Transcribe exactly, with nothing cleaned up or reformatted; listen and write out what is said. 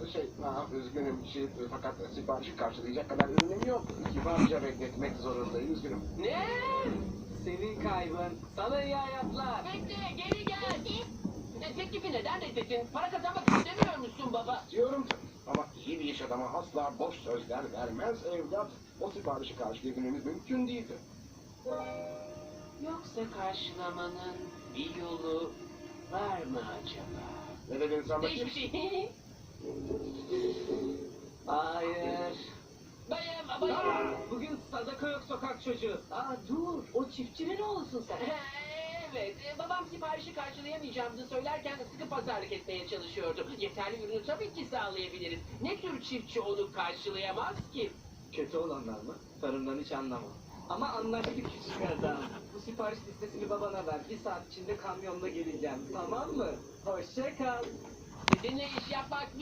Şey, ha, üzgünüm. Şey, fakat siparişi karşılayacak kadar ürünüm yok. Kibarca bekletmek zorundayım. Üzgünüm. Ne? Senin kaybın. Sana iyi hayatlar. Bekle, geri gel. E, teklifi neden reddettin? Para kazanmak istemiyor musun baba? Diyorum ama iyi bir iş adamı asla boş sözler vermez evlat. O siparişi karşılayabilmemiz mümkün değildi. Yoksa karşılamanın bir yolu var mı acaba? Ne dedin sen bakayım? Hiçbir şey. Hayır. Bayım, bayım. Bugün sadaka yok sokak çocuğu. Aa dur. O çiftçinin oğlusun sen. Evet, e, babam siparişi karşılayamayacağımızı söylerken sıkı pazarlık etmeye çalışıyordu. Yeterli ürünü tabii ki sağlayabiliriz. Ne tür çiftçi onu karşılayamaz ki? Kötü olanlar mı? Tarımdan hiç anlamam. Ama anlaştık küçük adam. Bu sipariş listesini babana ver. Bir saat içinde kamyonla geleceğim. Tamam mı? Hoşça kal. Sizinle iş yapmak